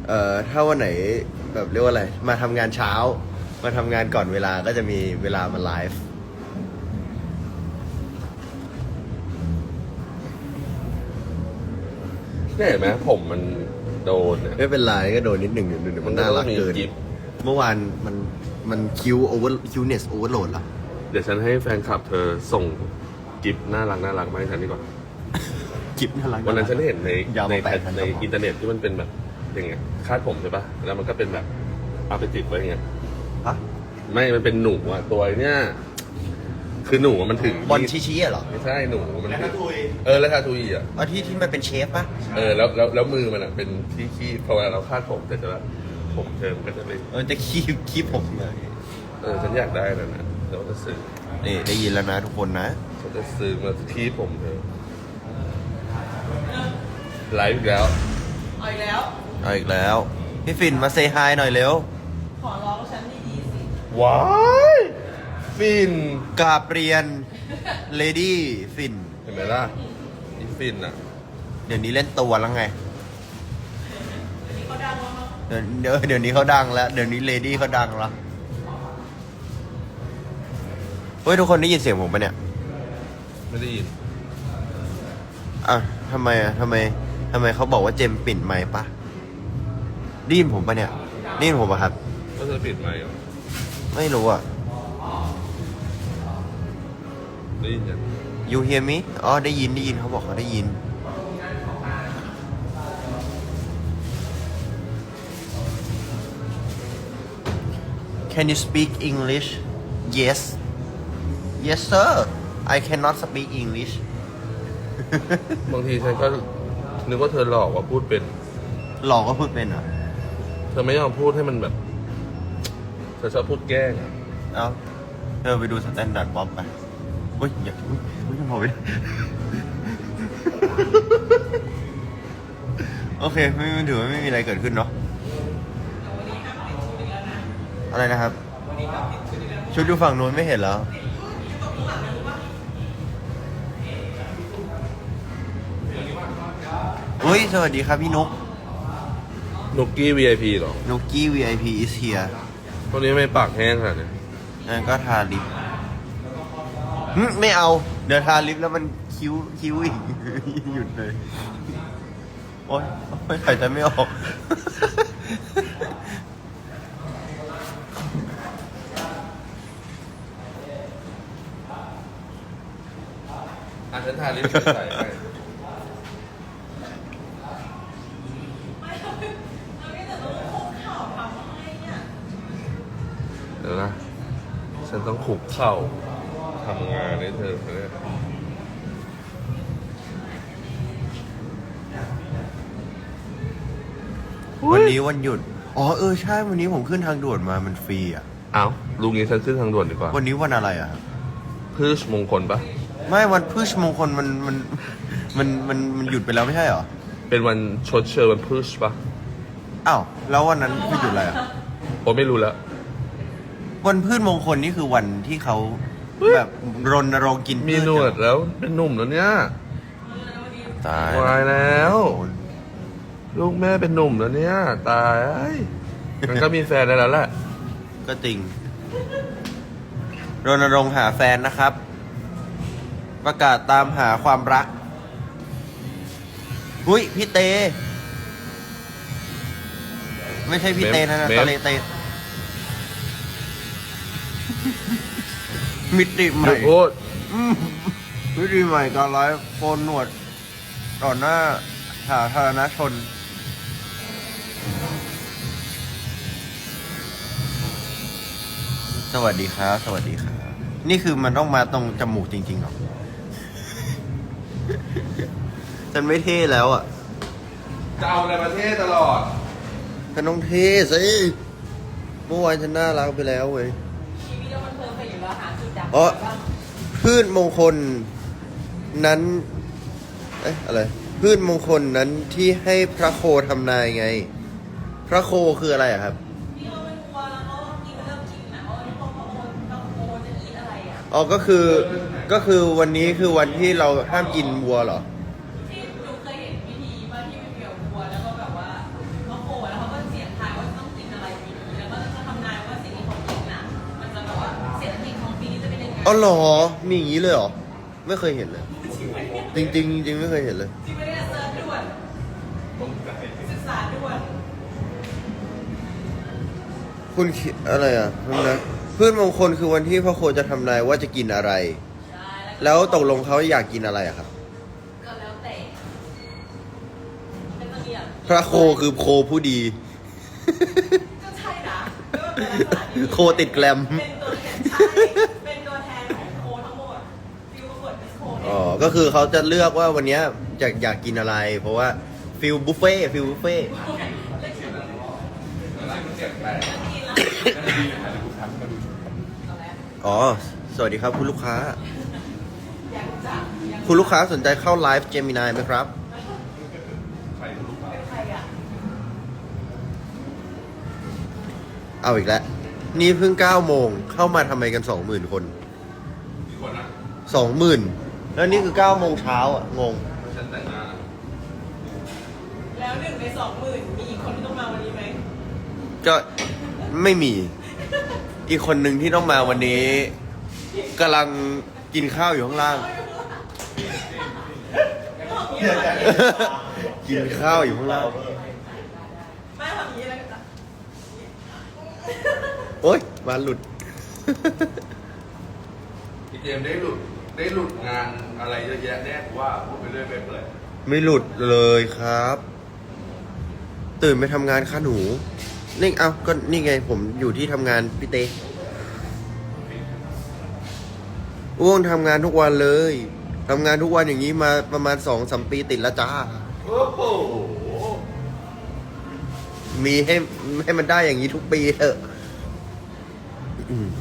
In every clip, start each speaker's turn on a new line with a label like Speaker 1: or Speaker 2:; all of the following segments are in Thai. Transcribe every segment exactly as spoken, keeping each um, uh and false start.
Speaker 1: เอ่อถ้าวันไหนแบบเรียกว่าอะไรมาทำงานเช้ามาทำงานก่อนเวลาก็จะมีเวลามาไลฟ์
Speaker 2: เนี่ยเห็นไหมผมมันโดนเนี่ย
Speaker 1: ไม่เป็นไรก็โดนนิดหนึ่งเดี๋ยวมันน่ารักเกิน
Speaker 2: มันก็ต้องมีกิ๊บ
Speaker 1: เมื่อวานมันมันคิวโอเวอร์คิวเนสโอเวอร์โหลดเหรอ
Speaker 2: เดี๋ยวฉันให้แฟนคลับเธอส่งกิฟน่ารักน่ารักมาให้ฉันดีกว่า
Speaker 1: กิฟน่ารัก
Speaker 2: วันนั้นฉันเห็นใน
Speaker 1: ยาว
Speaker 2: ใน
Speaker 1: มาแปดพัน
Speaker 2: ในอินเทอร์เน็ตที่มันเป็นแบบอย่างเงี้ยคาดผมใช่ปะแล้วมันก็เป็นแบบเอาไปติดไว้อย่างเงี้ย
Speaker 1: ฮะ
Speaker 2: ไม่มันเป็นหนูอ่ะตัวเนี้ยคือหนูอะมันถึง
Speaker 1: บอลชี้ๆอะเหรอ
Speaker 2: ไม่ใช่หนูมันถึงเออแล้วทาทุยอ่ะ
Speaker 1: อ๋อที่ที่มันเป็นเชฟปะ
Speaker 2: เออแล้วแล้วแล้วมือมันอ่ะเป็นที่ขี้พอเวลาเราคาดผมแต่จะว่าผมเธอมันก็จะเป็น
Speaker 1: เออจะคีบคีบผมเลย
Speaker 2: เออฉันอยากได้แล้วนะเดี๋ยวจะซื้อ
Speaker 1: นี่ได้ยินแล้วนะทุกคนนะ
Speaker 2: ฉันจะซื้อมาที่ผมเธอไลฟ์อีกแล้ว
Speaker 3: เอาอีกแล้ว
Speaker 1: เอาอีกแล้ว พี่ฟินมาเซฮายหน่อยเร็ว
Speaker 3: ขอร้องฉันดีๆสิ
Speaker 2: ว้ายฟิน
Speaker 1: กราบเรียนเลดี้ฟิน
Speaker 2: เห็นไหมล่ะนี่ฟินอ่ะ
Speaker 1: เดี๋ยวนี้เล่นตัวแล้วไง
Speaker 3: นี่เขาดังแล้วมั้ง
Speaker 1: เดี๋ยวเดี๋ยวเดี๋ยวนี้เขาดังแล้ว เดี๋ยวนี้เลดี้เขาดังแล้ว เฮ้ยทุกคนได้ยินเสียงผมปะเนี่ย
Speaker 2: ไม่ได้ยิน
Speaker 1: อ่ะทำไมอ่ะทำไมทำไมเขาบอกว่าเจมปิดไมค์ปะได้ยินผมปะเนี่ยได้ยินผมปะครับ
Speaker 2: ก็เธอปิดไมค์เหรอ
Speaker 1: ไม่รู้อ่ะ
Speaker 2: ได้ยินยัง
Speaker 1: you hear me อ๋อได้ยินได้ยินเขาบอกเขาได้ยิน Can you speak English Yes Yes sir I cannot speak English
Speaker 2: บางทีฉันก็นึกว่าเธอหลอกว่าพูดเป็น
Speaker 1: หลอกก็พูดเป็นเหรอ
Speaker 2: เธอไม่ยอมพูดให้มันแบบ เธอชอบพูดแกล้งอะ
Speaker 1: เอ้าเธอไปดูสแตนดาร์ดบ๊อบไปเฮ้ยอย่าเฮ้ยเฮ้ยยังพอไป โอเคไม่ไม่ถือว่าไม่มีอะไรเกิดขึ้นเนาะอะไรนะครับ ชุดอยู่ฝั่งนู้นไม่เห็นแล้วเฮ้ย สวัสดีครับพี่นุก
Speaker 2: นุกกี้ วี ไอ พี เหรอ
Speaker 1: นุกกี้ วี ไอ พี is here
Speaker 2: พวกนี้ไม่ปากแห้งขนาดนี้
Speaker 1: นั่นก็ทาลิปหึไม่เอา เดี๋ยวทาลิปแล้วมันคิ้วคิ้วอีก หยุดเลย โอ๊ยโอ๊ยหายใจไม่ออก
Speaker 2: อ่ะฉันทาลิปใส่ให้
Speaker 3: ไม่เอาเอาไม่แต่ต้องคุกเข่าทำอะไรเนี่ย
Speaker 2: เดี๋ยวนะ ฉันต้องขุกเข่าทำงานให้เธอเนี่ย
Speaker 1: วันนี้วันหยุด อ๋อเออใช่ วันนี้ผมขึ้นทางด่วนมา มันฟรีอ่ะ
Speaker 2: เอ้าลุงนี้ฉันขึ้นทางด่วนดีกว่า
Speaker 1: วันนี้วันอะไรอ่ะครับ
Speaker 2: พืชมงคลปะ
Speaker 1: ไม่วันพฤชมงคลมันมันมันมันมันหยุดไปแล้วไม่ใช่เหรอ
Speaker 2: เป็นวันชดเชยวันพืชปะ
Speaker 1: อ้าว แล้ววันนั้นคือหยุดอะไรอ่ะ
Speaker 2: ผมไม่รู้แล้ว
Speaker 1: วันพืชมงคลนี่คือวันที่เขาแบบรณรงค์กินพืช
Speaker 2: มีหนวดแล้วเป็นหนุ่มแล้วเนี่ย
Speaker 1: ตาย
Speaker 2: วายแล้ว ลูกแม่เป็นหนุ่มแล้วเนี่ย ตายเอ้ยมันก็มีแฟนได้แล้วแหละ
Speaker 1: ก็จริง รณรงค์หาแฟนนะครับ ประกาศตามหาความรักอุ้ยพี่เต ไม่ใช่พี่เตนะนะ
Speaker 2: เมม
Speaker 1: ตะเลเต มิติให
Speaker 2: หยุ
Speaker 1: ม่
Speaker 2: ดพูด
Speaker 1: อืมมิติใหม่การไลฟ์โกนหนวดต่อหน้าสาธารณชน สวัสดีครับ สวัสดีครับ นี่คือมันต้องมาตรงจมูกจริงๆเหรอ ฉันไม่เท่แล้วอ่ะ
Speaker 2: จะเอาอะไรมาเทศตลอด
Speaker 1: ฉันต้องเท่สิเมื่อวานฉันน่ารักไปแล้วเว้ย
Speaker 3: ชีวิตเรามันเพลินไปอยู่แล้วหาจุดดับ
Speaker 1: อ๋อ
Speaker 3: บ้าง
Speaker 1: พืชมงคลนั้น เอ๊ะอะไร พืชมงคลนั้นที่ให้พระโคทำนายไง พระโคคืออะไรอะครับ
Speaker 3: นี่เราเป็นวัวแล้วก็กินเริ่มกินนะว่าพอพอโอนพอโอนจะกินอะไรอ่ะ
Speaker 1: อ๋อ ก็คือ ก็คือวันนี้คือวันที่เราห้ามกินวัวเหรอ
Speaker 3: ที่หนูเคยเห็นวิธีว่าที่เป็นเกี่ยวกับวัวแล้วก็แบบว่าเขาโอนแล้วเขาก็
Speaker 1: อ๋อเหรอ มีอย่างนี้เลยเหรอ ไม่เคยเห็นเลย จริงจริงๆจริงๆไม่เคยเห็นเลย
Speaker 3: จริงไหมเนี่ยเซิร์ชด่วนศึกษาด่วน
Speaker 1: คุณคิดอะไรอ่ะนั่นนะพืชมงคลคือวันที่พระโคจะทำนายว่าจะกินอะไร
Speaker 3: ใช่
Speaker 1: แล้วตกลงเขาอยากกินอะไรอะครับ
Speaker 3: ก็แล้วแต่เป็นตัวเนี้ย
Speaker 1: พระโคคือโคผู้ดี
Speaker 3: ก็ใช่นะก็เป็นลักษณะนี้
Speaker 1: โคติดแกลม
Speaker 3: เป็นตัวแทนใช่เป็นตัวแทนของโคทั้งหมดฟิวประกวดเป็นโคเนี่ย
Speaker 1: อ๋อ ก็คือเขาจะเลือกว่าวันเนี้ยอยากอยากกินอะไร เพราะว่าฟิลบุฟเฟ่ฟิลบุฟเฟ่ อ๋อ สวัสดีครับคุณลูกค้า คุณลูกค้าสนใจเข้าไลฟ์เจมินายไหมครับ เอาอีกแล้ว นี่เพิ่งเก้าโมง เข้ามาทำไมกันสองหมื่นคน สองหมื่น แล้วนี่คือเก้าโมงเช้าอ่ะ งง
Speaker 2: ฉันแต่งหน้า
Speaker 3: แล้วหนึ่งในสองหมื่นมีอีกคนที่ต้องมาวันนี้ไหม
Speaker 1: ก็ไม่มี อีกคนหนึ่งที่ต้องมาวันนี้กำลังกินข้าวอยู่ข้างล่าง กินข้าวอยู่ข้างล่าง
Speaker 3: ไม่ทำอย่างนี้แล้วกัน
Speaker 1: โอ๊ยมาหลุด
Speaker 2: พี่เจมส์ได้หลุดได้หลุดงานอะไรเยอะแยะแน่กูว่าพูดไปเรื่อยไปเปื่อย
Speaker 1: ไม่หลุดเลยครับ ตื่นไปทำงานค่ะหนู นี่เอาก็นี่ไงผมอยู่ที่ทำงานพี่เต้อ้วงทำงานทุกวันเลยทำงานทุกวันอย่างนี้มาประมาณสองสามปีติดแล้วจ้า
Speaker 2: โอ้โห
Speaker 1: มีให้ให้มันได้อย่างนี้ทุกปีเถอะอืม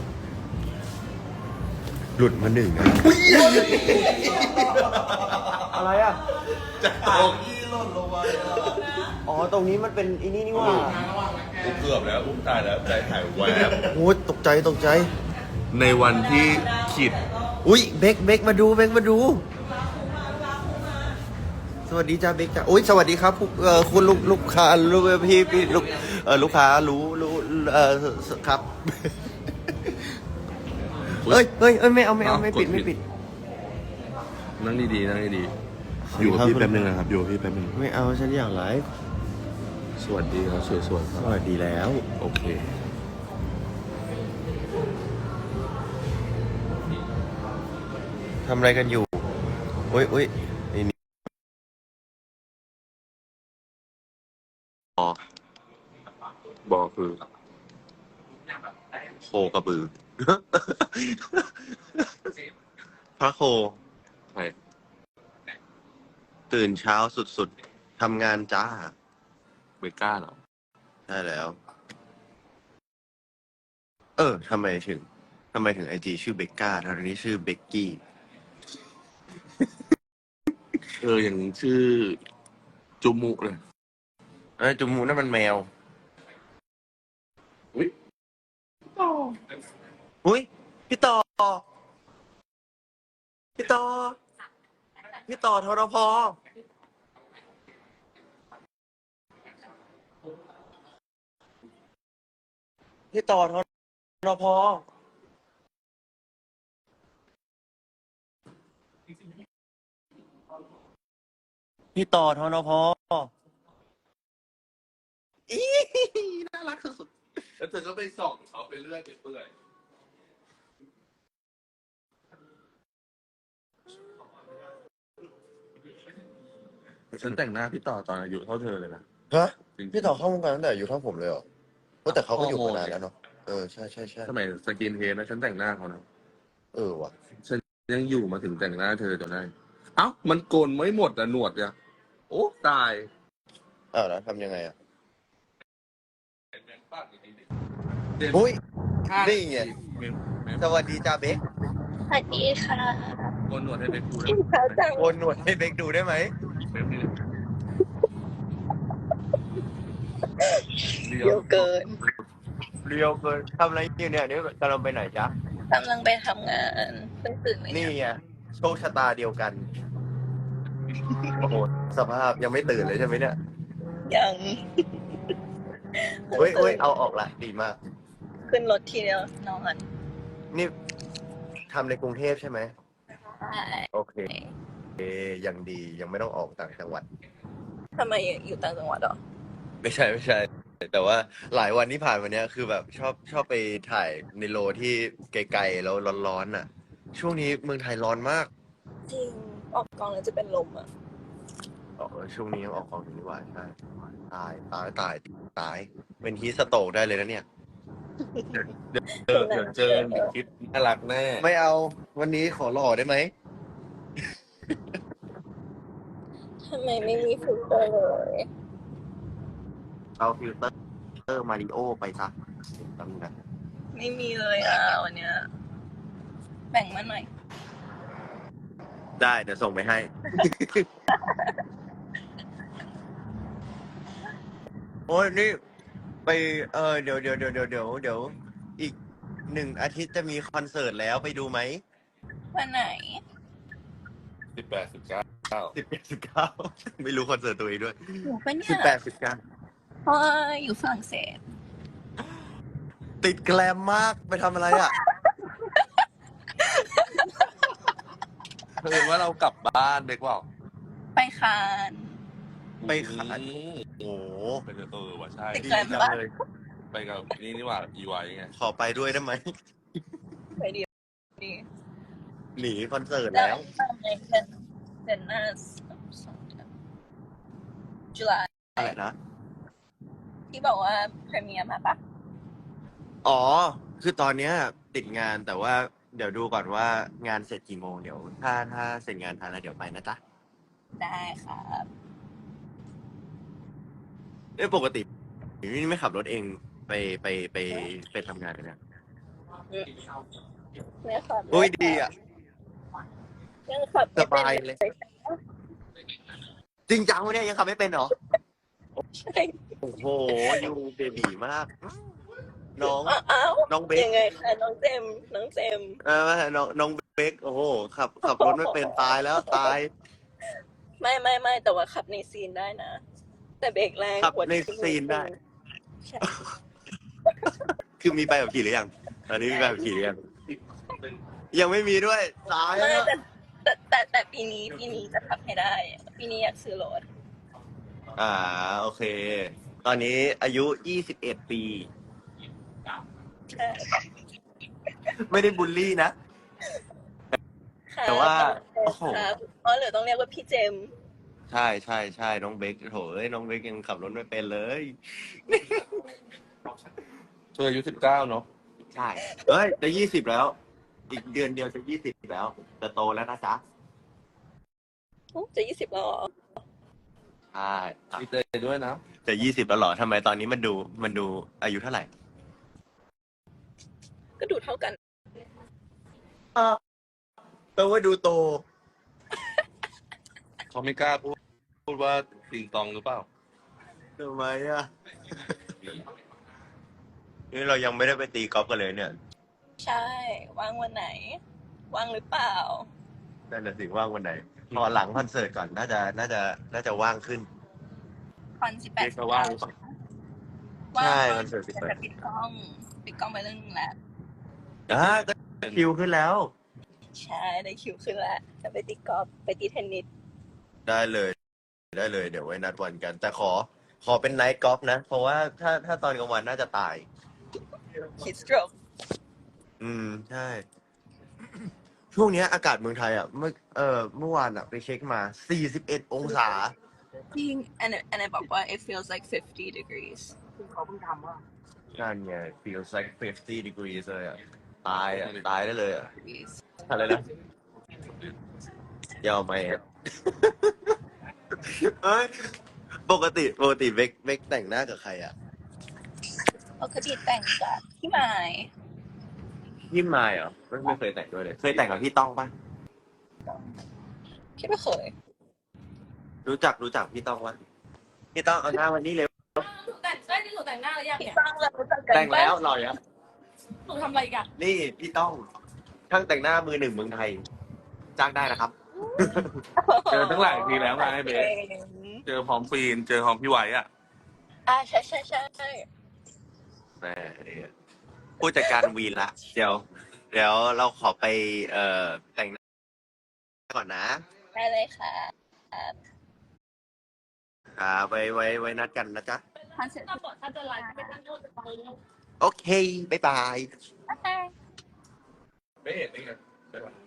Speaker 1: หลุดมาหนึ่งนะอะไรอ่ะ
Speaker 2: จะเอาขี้หล่นลงมา
Speaker 1: อ๋อ ตรงนี้มันเป็นอีนี่นี่ว่า
Speaker 2: เกือบแล้วอุ้มตายแล้วใจหายแวบ
Speaker 1: โอ้ยตกใจตกใจ
Speaker 2: ในวันที่ขีด
Speaker 1: อุ้ยเบกเบกมาดูเบกมาดู สวัสดีจ้าเบกจ้าอุ้ยสวัสดีครับผู้เอ่อคุณลูกลูกค้าลูกพี่พี่ลูกเออลูกค้ารู้รู้เออครับเฮ้ยเฮ้ยเอ้ยไม่เอาไม่เอาไม่ปิดไม่ปิด
Speaker 2: นั่งดีๆนั่งดีๆอยู่กับพี่แป๊บนึงนะครับอยู่กับพี่แป๊บนึง
Speaker 1: ไม่เอาฉันอยากไลฟ์
Speaker 2: สวัสดีครับสวยๆค
Speaker 1: ส
Speaker 2: รับ
Speaker 1: วัสดีแล้ว
Speaker 2: โอเค
Speaker 1: ทำอะไรกันอยู่อุ้ยอุ้ยไอ้นี่อ๋อ
Speaker 2: บอกคือ
Speaker 1: โคกระบือ พระโค
Speaker 2: ใคร
Speaker 1: ตื่นเช้าสุดๆ ทำงานจ้า
Speaker 2: เบก้าเหรอ
Speaker 1: ใช่แล้ว เออ ทำไมถึง ทำไมถึงไอจีชื่อเบกก้าทางนี้ชื่อเบกกี้
Speaker 2: เอออย่างชื่อจุมุเลย
Speaker 1: เอ้ยจุมูนั่นมันแมว
Speaker 2: อุ้ย
Speaker 1: อุ้ย พี่ต่อ พี่ต่อ พี่ต่อทรพพี่ต่อทรพพี่ต่อทรพอีน่ารักสุด
Speaker 2: แล้วเธอก็ไปส่องเขาไปเรื่อยไปเปื่อยฉันแต่งหน้าพี่ต่อตอนอายุเท่าเธอเลยนะ
Speaker 1: ๆฮะพี่ต่อเข้าวงการตั้งแต่อายุเท่าผมเลยเหรอว่าแต่เขาก็อยู่มานานแล้วเนาะ เออ ใช่ใช่ใช่
Speaker 2: สมัยสกินเฮดนะฉันแต่งหน้าเขานะ
Speaker 1: เออว่ะ
Speaker 2: ฉันยังอยู่มาถึงแต่งหน้าเธอจนได้ เอ้า มันโกนไม่หมดอะหนวดอะโอ้ ตาย
Speaker 1: อ้าวแล้วทำยังไงอ่ะ อุ้ย นี่ไง สวัสดีจ้าเบค
Speaker 4: สวัสดีค่ะ
Speaker 2: โกนหนวดให้เบคดู
Speaker 4: กินข้าวจัง
Speaker 1: โอนหนวดให้เบคดูได้ไหม
Speaker 2: เบคนี่
Speaker 4: เยอะเกิน
Speaker 1: เรียวเกินทำอะไรอยู่เนี่ยนี่กำลังไปไหนจ๊ะ
Speaker 4: กำลังไปทำงานเพิ่งตื่นไหม
Speaker 1: นี่
Speaker 4: เนี่ย
Speaker 1: ไงโชคชะตาเดียวกัน โอ้โห สภาพยังไม่ตื่นเลยใช่ไหมเนี่ย
Speaker 4: ยัง
Speaker 1: เฮ้ยเฮ้ยเอาออกละ ดีมาก
Speaker 4: ขึ้นรถทีเดียวนอน
Speaker 1: นี่ทำในกรุงเทพใช่ไหม
Speaker 4: ใช่
Speaker 1: โอเคเอยังดียังไม่ต้องออกต่างจังหวัด
Speaker 4: ทำไมอยู่ต่างจังหวัดเหรอ
Speaker 1: ไม่ใช่ไม่ใช่ แต่ว่าหลายวันที่ผ่านมาเนี้ยคือแบบชอบชอบไปถ่ายในโลที่ไกลๆแล้วร้อนๆน่ะ ช่วงนี้เมืองไทยร้อนมาก
Speaker 4: จริง ออกกองแล้วจะเป็นลมอ่ะ
Speaker 1: อ๋อเออช่วงนี้ยังออกกองอยู่นี่หว่าใช่ตายตายตายตาย เป็นฮีสโตกได้เลยนะเนี่ย
Speaker 2: เจอเดี๋ยวเจอเดี๋ยวคลิปน่ารักแน่
Speaker 1: ไม่เอาวันนี้ขอหล่อได้ไหม
Speaker 4: ทำไมไม่มีฟิลเตอร์เลย
Speaker 1: เอาฟิลเตอร์เตอร์มาริโอไปซะตำนะ
Speaker 4: ไม่มีเลยอ่ะวันเนี้ยแบ่งมาหน่อย
Speaker 1: ได้เดี๋ยวส่งไปให้ โอ้ยนี่ ไปเออเดี๋ยวเดี๋ยวเดี๋ยวเดี๋ยวเดี๋ยวเดี๋ยวอีกหนึ่งอาทิตย์จะมีคอนเสิร์ตแล้วไปดูไหม
Speaker 4: วันไหน
Speaker 2: สิบแปดสิบเก้า
Speaker 1: สิบแปดสิบเก้า ไม่รู้คอนเสิร์ตตัวเองด้วย
Speaker 4: อยู่ปะเนี่
Speaker 1: สิบ
Speaker 4: ย
Speaker 1: แปดสิบเก้า
Speaker 4: เพราะว่าอยู่ฝรั่งเศส
Speaker 1: ติดแกลมมากไปทำอะไรอ่ะ
Speaker 2: เพิ่งว่าเรากลับบ้านเด็กว่า
Speaker 4: ไปคาน
Speaker 1: ไปขาย
Speaker 2: อืม
Speaker 1: โอ้โห
Speaker 2: เป็นเออว่ะใช่
Speaker 4: ติด
Speaker 1: ดี
Speaker 4: แกลม
Speaker 1: จัง
Speaker 4: ปะ
Speaker 1: เลย
Speaker 2: ไปกับนี่นี่หว่าอีไวไง
Speaker 1: ขอไปด้วยได้ไหม
Speaker 4: ไปดีดี
Speaker 1: หนีคอนเสิร์ต
Speaker 4: ได้
Speaker 1: แล้ว
Speaker 4: ทำไงเดือนเดือนหน้าสองเดือนจุลา
Speaker 1: อะไรนะ
Speaker 4: ที่บอกว่าพรีเมียร์มาปะ
Speaker 1: อ๋อ คือตอนเนี้ยติดงานแต่ว่าเดี๋ยวดูก่อนว่างานเสร็จกี่โมงเดี๋ยว ถ้าถ้าเสร็จงานทันแล้วเดี๋ยวไปนะจ๊ะ
Speaker 4: ได้ครับ
Speaker 1: เอ้ยปกตินี่ไม่ขับรถเองไปไปไปไปทำงานเลยนะ
Speaker 4: เนี่ยครับ
Speaker 1: โอ้ยดีอ่ะ
Speaker 4: ยังขับ
Speaker 1: สบายเลย จริงจังวะเนี่ยยังขับไม่เป็นเหรอ
Speaker 4: ใช่
Speaker 1: โอ้โหยูเบบีมาก น้อง
Speaker 4: อ้าว
Speaker 1: น้องเบค
Speaker 4: ยังไงคะน้องเจมส์น้องเจมส์
Speaker 1: เออน้องน้องเบคโอ้โหขับขับรถไม่เป็นตายแล้วตาย
Speaker 4: ไม่ไม่ไม่แต่ว่าขับในซีนได้นะ แต่เบรกแรง
Speaker 1: ขับ
Speaker 4: กว่า
Speaker 1: ในซีนได้
Speaker 4: ใช่
Speaker 1: คือมีใบขับขี่หรือยังตอนนี้มีใบขับขี่หรือยังยังไม่มีด้วยตาย
Speaker 4: ไม่
Speaker 1: แล้ว
Speaker 4: แต่แต่แต่แต่ปีนี้ปีนี้จะขับให้ได้ ปีนี้อยากซื้อรถ
Speaker 1: อ่าโอเค ตอนนี้อายุยี่สิบเอ็ดปี
Speaker 4: ใช่
Speaker 1: ไม่ได้บูลลี่นะ
Speaker 4: ค่ะ
Speaker 1: แต่ว่า
Speaker 4: โอ้
Speaker 1: โอ้
Speaker 4: โห
Speaker 1: โห
Speaker 4: อ๋อหรือต้องเรียกว่าพี่เจมส์
Speaker 1: ใช่ใช่ใช่น้องเบคโถเอ้ยน้องเบคยังขับรถไม่เป็นเลย
Speaker 2: เธออายุสิบเก้าเนาะ
Speaker 1: ใช่เอ้ยจะยี่สิบแล้ว อีกเดือนเดียวจะยี่สิบแล้วจะโตแล้วนะจ๊ะ
Speaker 4: โอ้จะยี่สิบแล้วเหรอ
Speaker 1: ใช่ครับ
Speaker 2: ดีใจด้วยนะ
Speaker 1: จะยี่สิบแล้วเหรอทำไมตอนนี้มันดูมันดูอายุเท่าไหร่
Speaker 4: ก็ดูเท่ากัน
Speaker 1: แปลว่าดูโต
Speaker 2: เขาไม่กล้าพูดพูดว่าติงตองหรือเปล่า
Speaker 1: ทำไมอ่ะ นี่เรายังไม่ได้ไปตีกอล์ฟกันเลยเนี่ย
Speaker 4: ใช่ว่างวันไหน ว่างหรือเปล่า
Speaker 1: นั่นแหละสิว่างวันไหน พอหลังคอนเสิร์ตก่อนน่าจะน่าจะน่าจะว่างขึ้น
Speaker 4: คอนสิบแปด
Speaker 2: เรียกว่าว่างหรือเปล่า
Speaker 1: ใช่คอนเสิร์ตสิบแปด
Speaker 4: แต่ปิดกล้องปิดกล้องไปเรื่องนึงแล้ว
Speaker 1: อ่าก็คิวขึ้นแล้ว
Speaker 4: ใช่ได้คิวขึ้นแล้วจะไปตีกอล์ฟไปตีเทนนิส
Speaker 1: ได้เลย ได้เลย เดี๋ยวไว้นัดวันกัน แต่ขอ ขอเป็นไนท์กอล์ฟนะ เพราะว่าถ้าถ้าตอนกลางวันน่าจะตาย
Speaker 4: คิดสโตรก
Speaker 1: อืม ใช่ ช่วงเนี้ยอากาศเมืองไทยอ่ะเมื่อเออเมื่อวานอ่ะ ไปเช็คมาสี่สิบเอ็ดองศา
Speaker 4: จริงอันนั้นอันนั้นบอกว่า it feels like fifty degrees
Speaker 1: นั่นไง feels like fifty degrees เลยอ่ะ ตายอ่ะ ตายได้เลยอ่ะ
Speaker 4: degrees
Speaker 1: อะไรนะยาวไหมอ่ะ เอ้ย ปกติ ปกติเบกเบกแต่งหน้ากับใครอ่ะ
Speaker 4: ปกติแต่งกับพี่หมาย
Speaker 1: พี่มายเหรอไม่ไม่เคยแต่งด้วยเลย เคยแต่งกับพี่ต้องปะ
Speaker 4: คิดว่าเคย
Speaker 1: รู้จักรู้จักพี่ต้องปะพี่ต้องเอาหน้าวันนี้เร็ว
Speaker 3: หนูแต่งได้ที่หนูแต่งหน้าหรือยัง
Speaker 4: พี่
Speaker 3: เนี่ย
Speaker 4: ต้องเรารู้จักกัน
Speaker 1: แต่งแล้ว
Speaker 4: ปะ
Speaker 1: หล่อยัง
Speaker 3: หนูทำอะไรอีกัน
Speaker 1: นี่พี่ต้องช่างแต่งหน้ามือหนึ่งเมืองไทย จ้างได้นะครับ
Speaker 2: เจอตั้งหลายทีแล้วไงเบส
Speaker 4: ก่ง
Speaker 2: เจอพร้อมฟีน เจอพร้อมพี่ไหวอ่ะ
Speaker 4: อ่าใช่ใช่ใช่
Speaker 1: แหมเนี่ยผู้จัดการวีนละ เดี๋ยวเดี๋ยวเราขอไปเอ่อแต่งหน้าก่อนนะ
Speaker 4: ได้เลยค่ะ
Speaker 1: ครับไว้ไว้ไว้นัดกันนะจ๊ะ
Speaker 4: คอนเสิร์ต
Speaker 3: ถ้าบอกถ้าจะไลฟ์ก็จะโน้ต
Speaker 1: โอเค บ๊ายบาย
Speaker 4: โอเค
Speaker 2: ไม่เห็นนี่ไงใช่ปะ